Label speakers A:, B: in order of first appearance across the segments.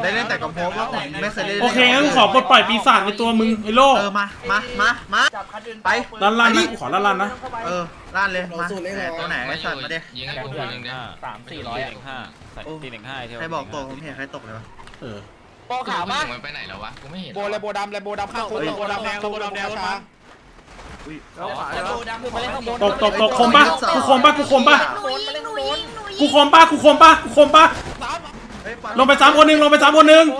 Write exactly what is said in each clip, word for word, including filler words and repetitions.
A: ได้เล่นแต่กับโพกไม่เคยเล่น
B: โอเคงั้นขอปลดปล่อยปีศาจในตัวมึงไอ้โล
A: เออมามามามาไป
B: ลันลันนะขอลันลันนะ
A: เออล้านเลยมาตัวไหนไอ้สัตว์มาดิ
C: ยิงให้กูตัวหนึ่งเนี่ย
D: สามสี่ร้อยหนึ่งห้าใส่ตีหนึ่งห้าเท่า
A: ใครบอกตัวผมเห็นใครตกเลยวะ
B: เออ
C: โบขาวมั้งมันไปไหนแล้ววะกูไม่เห็น
E: โบเลยโบดำเลยโบดำข้างคุกโบดำแดงโบดำแดงรถมา
A: อุ้ย
B: ตกตกตกคมปะกูคมปะกูคมปะ
F: หนูยิงหนูยิงหนูยิง
B: กูคมปะกูคมปะกูคมปะลงไปสามคนหนึ่งลงไปสามคนหนึ่ง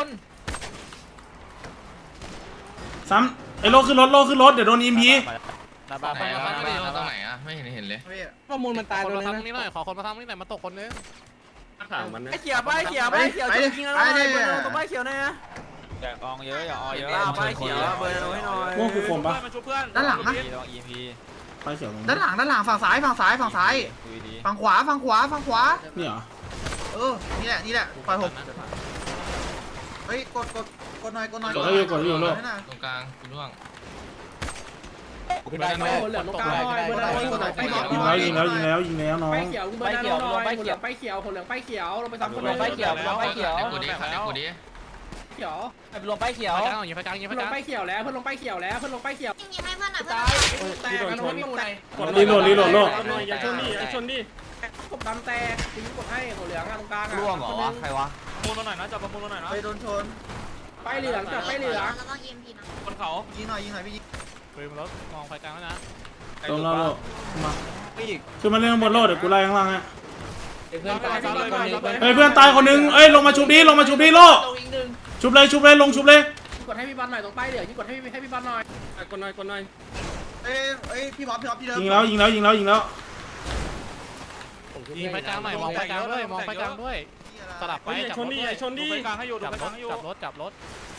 B: สามไอ้โลขึ้นรถโลขึ้นรถเดี๋ยวโดนอิมพี
D: หน้าบ้าน
C: ไหนวะไม่รู้ตรงไหนอะไม่เห็นเห็นเลย
E: ข้อมูลมันตาย
G: คน
E: ตัว
G: มา
E: นึง
G: ทำนี่หน่อยขอคนมาทำนี่หน่อยมาตกคนนึง
E: ไอ้เขียวไปเขียวไปเขียวจะยิงแล้วหน่อยเบอร์ตรงป้ายเขียวนะฮะ
D: อย่าอองเยอะอย่าออเยอะ
E: ป้ายเขียวเบอร์ให้หน่อย
B: พวกกูคมปะ
A: ด้านหลังนะ
D: ลอง อี เอ็ม พี
B: ไปเสียวลง
A: ด้านหลังด้านหลังฝั่งซ้ายฝั่งซ้ายฝั่งซ้าย
D: ดูดี
A: ฝั่งขวาฝั่งขวาฝั่งขวา
B: นี่เหรอ
A: เออนี่แหละนี่แหละปล่อยผมเฮ้ยกดกดกดหน่อยกดหน่อย
B: กดให้อยู่กดให้อยู่โล
C: ตรงกลางกูร่วง
E: ขึ้นได้ไหมเหลือตรงกลางหน่อยเบอร์ให้หน่อย
B: ยิงแล้วยิงแล้วยิงแล้วยิงแล้วน้อง
E: ป้ายเขียวเบอร์น้อยป้ายเขียวป้ายเขียวคนเหลืองป้ายเขียวลงไปซ้ำคนเหลืองป้ายเขียว
C: แล้วเดี๋ยวกูดิค่ะเดี๋ยวกูดิ
E: เขียว
D: ไปลงป้ายเขียว
G: ไฟกลางยิงไฟกลางยิงไฟ
E: เพื่อน
G: ก
E: ล
G: ลาง ง
E: ป้ายเขียวแล้วเพื่อนลงป้ายเขียวแล้วเพื่อนลงป้ายเขียว
F: ยิงยิงให้เพื่อนหน่อยเพื่อน
E: ตายแตกนะน้องแตก
B: รีโหลดรีโหลดโล
E: อย่าชนดิอย่าชนดิกดดำแตกตีกดให้หัวเหลืองตรงกลางอ่ะ
D: ร่วงเหรอวะใครวะ
G: ประมูลมาหน่อยนะจับประมูลมาหน่อยนะ
A: ไปโดนชน
E: ป้ายเหลืองจับป้ายเหลือง
F: แล้วต้องยิงพีนะ
G: บนเขา
A: ยิงหน่อยยิงหน่อยพี่ยิง
G: ปืนรถมองไฟกลางแล้วนะ
B: ตรงแล้วโลมาขึ้นมาเล่นข้างบนโลเดี๋ยวกูไล่ข้างล่างฮะ
E: เพื่อนตายคนนึง
B: เฮ้ยเพื่อนตายคนนึงเอ้ยลงมาชุบดิลงมาชุบดิโลชุบเลยชุบเลยลงชุบเลย
E: กดให้พี่บอลหน่อยตรงป้ายเหลืองยิ่งกดให้ให้พี่บอลหน่อยกดหน่อยกดหน่อย
A: เอ้ยเอ้ยพี่บ๊อบพี่บ๊อบพี่เดิม
B: ยิงแล้วยิงแล้วยิงแล้วยิงแล้ว
G: ยิงไฟกลางหน่อยมองไฟกลางด้วยมองไฟกลางด้วยสลับไปจับรถด้วยชนดิกลางให้อยู่จับรถจับรถจับรถ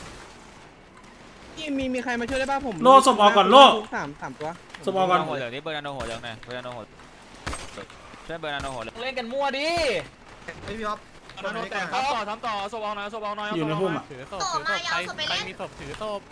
E: นี่มีมีใครมาช่วยได้ป่ะผม
B: โลศพออกก่อนโล
E: สามสามตัว
B: ศพออกก่อน
D: หัวเหลืองนี่เบอร์นาโนหัวเหลืองหน่อยเบอร์นาโนหัวช่วยเบอร์นาโนหัวเหลืองเล่นกันมั่วดิ
A: เอ้ยพี่บ๊อบ
G: โดนแตกทำต่อทำต่อศพเอาหน่อยศพเอาหน่อยถือศพถือศพใครใครมีศพถือศพ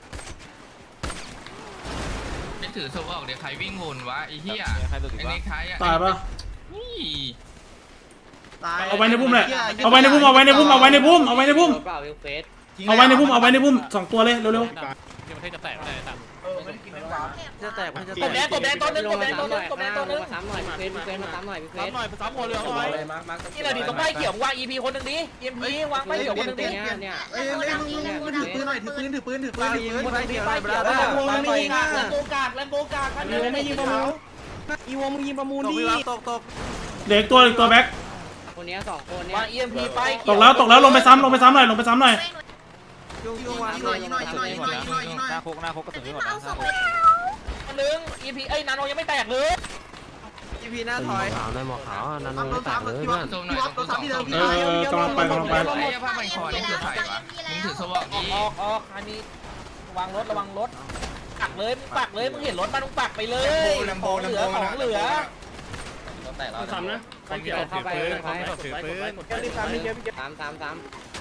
C: ไม่ถือศพออกเดี๋ยวใครวิ่งวนวะไอ้เหี้ย
D: ใครหลุดอี
C: ไอ้
D: กวะ
C: เน็กไทอ่ะ
B: ตายปะ
C: นี่
A: ตาย
B: เอาไว้ในพุ่มเลยเอาไว้ในพุ่มเอาไว้ในพุ่มเอาไว้ในพุ่มเอาไว้ในพุ่มเอาไว้ในพุ่มเอาไว้ในพุ่มสองตัวเลยเร็ว
G: ที่ประเทศจะแตกไม่ได้ต่าง
A: เออไม่ได้กินไม่ได้
E: จะแตกมันจะ
D: กบแดงกบแดงตัวนึงกบแดงตัวนึงกบแดงตัวนึง
E: ซ้ำหน่อยเฟนเฟนมาซ้ำหน่อยเฟ
G: ซ้ำหน่อยซ้ำหัวเรือหน่อย
D: นี่แหละดิตรงป้ายเขียววาง อี พี คนหนึ่งดิ อี เอ็ม พี วางป้ายเขียวคนหนึ่งดิ
A: เนี่ยเอ้ยเอ้ยมึงมึงถือปืนหน่อยถือปืนถือปืนถือปืนถือปืน
D: ป้ายเขียวป้ายเขียวแล้วไม่ยิงอ่ะแลมโบกากแลมโบกากกัน
E: อีวไม่ยิงประมูลอีวมึงยิงประมูลดิ
A: ตกตก
B: ๆเหล็กตัวอีกตัวแบ็ค
E: คนนี้สองคนเนี่
D: วาง อี เอ็ม พี ป้ายเขี
B: ตกแล้วตกแล้วลงไปซ้ำลงไปซ้ำหน่อยลงไปซ้ำหน่อย
A: ยิงยิงหน่อยยิงหน่อยยิงหน่อยยิงหน่อยยิงหน่อยยิงหน่อย
D: หน้าคุกหน้าคุกกระสุน
F: พี่
D: หมด
F: มา
D: นะ
F: เอาศพไป
D: คนนึง อี พี เอ้ยนาโนยังไม่แตกเลย
E: อีพีหน้าถอย
A: รับตัวสามพี่บ๊อบพี่บ๊อบตัวสามที่เดิมพี่
B: เออเออกำลังไปกำลังไป
C: ไอ้ผ้าพันคอนี่คือใครวะมึงถือศพออก
D: ออก
C: ดิ
D: ออกออกอันนี้ระวังรถระวังรถปักเลยมึงปักเลยมึงเห็นรถมันมึงปักไปเลยของเหลือของเหลือ
G: ซ้ำนะคนมีศพถือปืนคนมีศพถือปืน
E: เดี๋ยวรีบซ้ำนี่เดี๋ยวพี่
H: สามสามสาม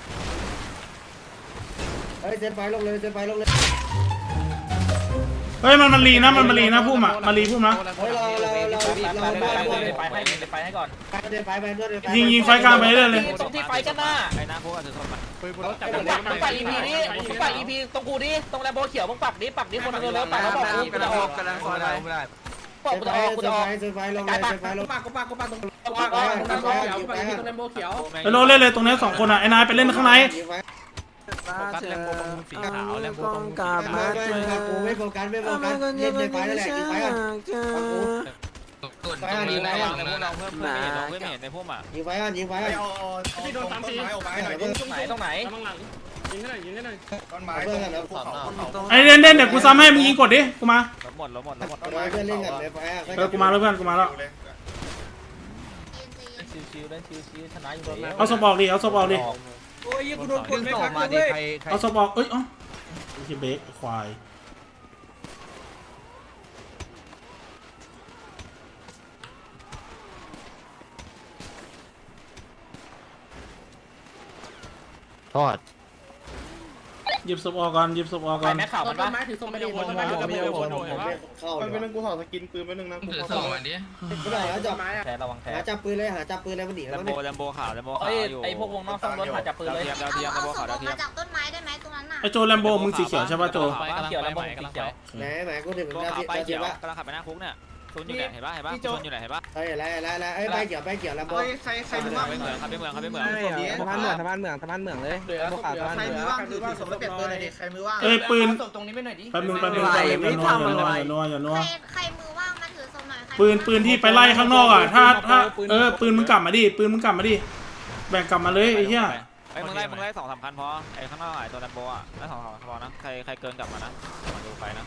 H: เฮ้ยเซนไฟลงเลยเซนไฟลงเลย
B: เฮ้ยมันมันรีนะมันมันรีนะพุ่มอ่ะมารีพุ่มนะ
H: เฮ้ยเราเราเรา
D: ไป
H: เรา
D: ไป
H: เรา
D: ไป
H: เรา
D: ไปให้ไปให้ก่อน
H: เซนไฟไปเพื่อนเซนไฟ
B: ยิงยิงไฟกลางไปเรื่อยเลย
D: ตรงที่ไฟกันหน้าไอ้หน้าคุกอาจจะทนมัน
G: ปืนบนรถจับ
D: มึงปักมึงปัก อี พี นี้มึงปัก อี พี ตรงกูดิตรงแลมโบเขียวมึงปักดิปักดิคนเร็วๆปักแล้วบอกกูจะออก
E: กำลังซอยได้ไม่ได้
D: บอกกูจะออกกูจะออก
H: เซนไฟลงเลยเซนไฟลง
E: ปากกูปากกูปากตรงตรงปากตรงโบเขียวปากตรงโบเขียว
B: ไอ้โลเล่นเลยตรงนี้สองคนอ่ะไอ้นายไปเล่นข้างใน
G: โฟกัสแลมโบประมูลสีขาวแลมโบประมูล
H: มากูไม่โฟกัสไม่โฟกัสเล่นเซนไฟนั่นแหละยิงไฟอ่ะ
C: กดตรงนี้ระวังนะ
D: เพิ่มเพิ่มไม่เห็นเพิ่มไม่เห็นในพุ่มอ่ะ
H: ยิงไฟอ่ะยิงไฟอ่ะ
E: ที่โดนสามที
D: ตรงไหนตรงไหน
E: ยิงให้หน่อยยิงให้หน่อย
H: เพื่อนกันนะ
B: ไอ้เด่นเด่นเดี๋ยวกูซ้ำให้มึงยิงกดดิกูมา
D: ลบหมดลบหมดลบหมด
H: เพื่อนเล่นกันเลยไฟอ่ะ
B: เออกูมาแล้วเพื่อนกูมาแล้ว
D: ชิวๆเล่นชิวๆชนะอยู่แล้ว
B: เอาศพออกดิเอาศพออกดิ
E: โอ้ยกูโดนกดไม่พักเลย
B: เอาศพออกเอ้ยเอ้าไอ้เบรกควาย
H: ทอด
B: หยิบศพออกก่อนหยิบศพออก
D: ใค
B: ก่
D: ร
B: อน
D: แม่ข่าว
E: ต้
D: มัน น
E: ต้
D: ปะ
E: นไม้ถือส้มไม่ได้
G: ไม่
E: ต้น
G: ได้
E: ไม้
G: วน
E: ไม่
G: ไม่
E: ได้
G: ได้
E: ว
G: วน น
H: ผมไม่เข้า
E: ไป
H: เล
E: เป็น
H: ย
E: กูถอดสกินปืนไปนึงนะ
C: ถือส่งมาดิ
H: ไม่ได้หาจับ
E: ไม้อะ
D: แทระวังแท
H: หาจับปืนเลยหาจับปืนเลยมันหนี
G: แล
H: แล้ว
G: ม
H: มั้
G: โบ
H: ง
G: แลมโบขาวแลมโบขาว
D: เอ้ย
G: อยู่
D: ไอพวกวงนอกซ่อมรถมาจับปืนเลย
G: ดาวเทียมดาวเทียม
F: เอา
G: ดาว
F: เอา
G: เทียม
F: ศพออกมาจากต้นไม้ได้ไหมตรงนั้นน่ะ
B: ไอโจแลมโบมึงสีเขียวใช่ป่ะโจ
D: เขียวแล้วมึงสีเขียว
H: ไหนไหนกูถึง
G: โบ
H: ดาว
G: ขาว
H: เทียม
G: ไป
H: ดาวเที
G: เขี
H: ย
G: ย
H: ม
G: ว
H: ละ
G: กำลังขับไปหน้าคุกเนี่ยซุนอยู่ไหนเห็นป่ะเห็นป่ะซุนอยู่ไหนเห็นป่ะ
H: เฮ้ยอะไรอะไรอะไรเอ้ยไปเกี่ยวไปเกี่ยวลำโบ
A: เฮ้ยใครใครมือว่าง
G: ไปเมืองครับไปเมืองครับไปเมือง
E: สะพานเหมืองสะพานเหมืองสะพานเหมืองเลยเหลือศพเหลือ
A: ใครมือว่างถือถือศพแล้วเปลี่ยนปืนหน่อยดิใครมือว่าง
B: เอ้ยปืน
D: ตรงนี้ไม่หน่อยดิ
B: แป๊บนึงแป๊บนึงแป๊บนึงอย่านัวอย่านัวอย่านัวอย่านัว
F: ใครใครมือว่างมาถือศพหน่อยใคร
B: ปืนปืนที่ไปไล่ข้างนอกอ่ะถ้าถ้าเออปืนมึงกลับมาดิปืนมึงกลับมาดิแบ่งกลับมาเลยไอ้เหี้ย
G: ไอ้มึงไล่มึงไล่สองสามคันพอไอ้ข้างนอกไอ้ตัวแลมโบอ่ะไล่สองสามคันพอนะใครใครเกินกลับมานะมาดูไฟนะ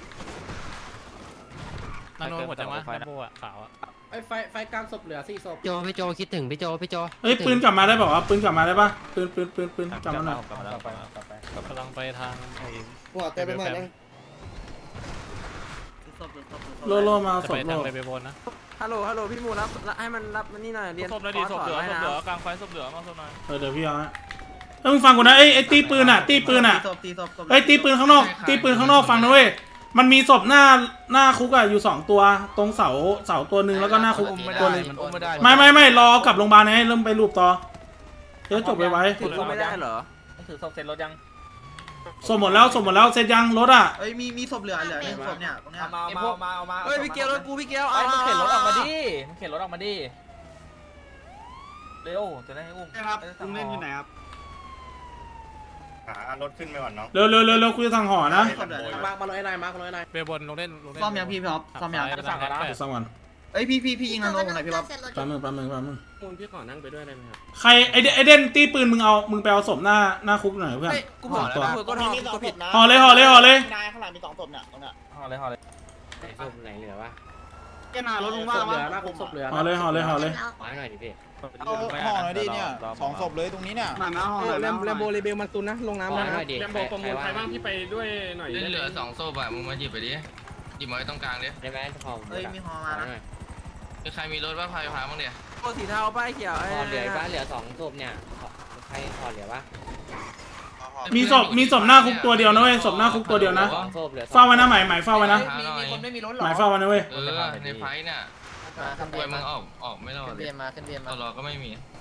I: นาโนหมดจังวะแลมโบอ่ะขาวอ่ะ
E: ไอ้ไฟไฟกลางศพเหลือสี่ศพ
I: โจพี่โจคิดถึงพี่โจพี่โจ
B: เอ้ยปืนกลับมาได้ป่าวะปืนกลับมาได้ป่ะปืนปืนปืนปืนกลับมาหน่อย
G: กลับมาแล้ว
D: ไปกลับไป
I: กำลังไปทางไอ้
H: หัวเต็มไปหมดเลย
B: โลโลมาเอา
I: จะ
B: ศ
I: ไป
B: พโล
I: ทางเลเวลบนนะ
E: ฮัลโหลฮัลโหลพี่มูรับให้มันรับนี่หน่อยเรียน
G: ศพเลยดิศพเหลือศพเหลือกลางไฟศพเหลือมาศพหน่อย
B: เออเดี๋ยวพี่เอาฮะเอ้ยมึงฟังกูนะไอ้ไอ้ตีปืนอ่ะตีปืนอ่ะ
A: ตีศพตีศพศพ
B: เอ้ยตีปืนข้างนอกตีปืนข้างนอกฟังนะเว้ยมันมีศพหน้าหน้าคุกอะอยู่สองตัวตรงเสาเสาตัวหนึ่งแล้วก็หน้าคุกตัวหนึง
C: มันอุ้มไม่ได้
B: ไม่ไม่ไม่รอกลับโรงพยาบาลให้เริ่มไปรูปต่อเดี๋ยวจบไปไว้
D: ถือศพไม่ได้เหรอถือศพเสร็จรถยัง
B: สมหมดแล้วสมหมดแล้วเสร็จยังรถอ่ะ
A: เอ้ยมีมีศพเหลือเหลือหนึ่งศพเนี่ยตรงเนี้ย
D: มามามาเอามา
E: เฮ้ยพี่เกียวรถกูพี่เกียว
D: ไอ้มึงเข็นรถออกมาดิมึงเข็นรถออกมาดิเร็วจะได้ให้อุ้ม
A: ครับลุงเล่นอยู่ไหนครับ
J: หารถขึ้นไปก่อนน้อง
B: เร็วเร็วเร็วเร็วคุยทางหอนะ
A: ศพเหลือ
E: มามาลอยนายมาลอยนาย
I: เวลบนลงเล่นลงเล่น
A: ซ่อมยังพี่พี่อ๊อฟซ่อมยัง
B: เดี๋ยวสักวัน
A: เอ้ยพี่พี่พี่ยิงนาโนผมหน่อยพี่อ๊อฟ
F: เสร็จรถ
B: แป๊บนึงแป๊บนึงแป๊บนึง
E: มูลพี่ขอนั่งไปด้วยได้ไหมครับ
B: ใครไอเดไอเดนตีปืนมึงเอามึงไปเอาศพหน้าหน้าคุกหน่อยเพื่อน
E: กูบอกแล้วนะก็ทำก็ผิดนะ
B: ห่อเลยห่อเลยห่อเลย
A: นายข้างหลังมีสองศพเนี่ยตรงเนี้ย
D: ห่อเลยห่อเลย
I: ไหนศพไหนเหลือวะ
A: แกนารถลุง
E: ศ
A: ว่าง
E: พเหลื
A: วะ
E: อนะผมศพเหลือ
B: ห่อเลยห่อเลยห่อเลย
I: มาหน่อยดิพี่
G: เอาห่อหน่อยดิเนี่ยสองศพเลยตรงนี้เนี่ย
A: มาหน้าห้อง
E: แลมแลมโบเรเบลมันตุนนะลงน้ำนะ
I: แลมโบประมูลใครบ้างที่ไปด้วย
E: หน่อย
C: เล่นเหลือสองโซ่อะมึงมาหยิบไปดิหยิบมาไว้ตรงกลางดิ
I: ได้ไหมพอ
A: เอ้ยมีฮอมานะ
C: มีใครมีรถว่าพายพาบ้างเนี่ย
E: โบสีเทาป้ายเขียว
I: พอเหลือบ้านเหลือสองศพเนี่ยใครพอเหลือวะ
B: มีศพมีศพหน้าคุกตัวเดียวนะเว้ยศพหน้าคุกตัวเดียวนะ
I: สองศพเหลือ
B: เฝ้าไว้นะหมายหมายเฝ้าไว้นะ
D: มีมีคนไม่มีรถหรอ
B: หมายเฝ้าไว้นะเว้ย
C: เออในไฟเนี่ย
D: มาขึ้น
C: รวยมึงออกออกไม่รอด
D: เบียร์มาขึ้นเบียร์
C: ต
D: มา
C: ลอดก็ไม่มี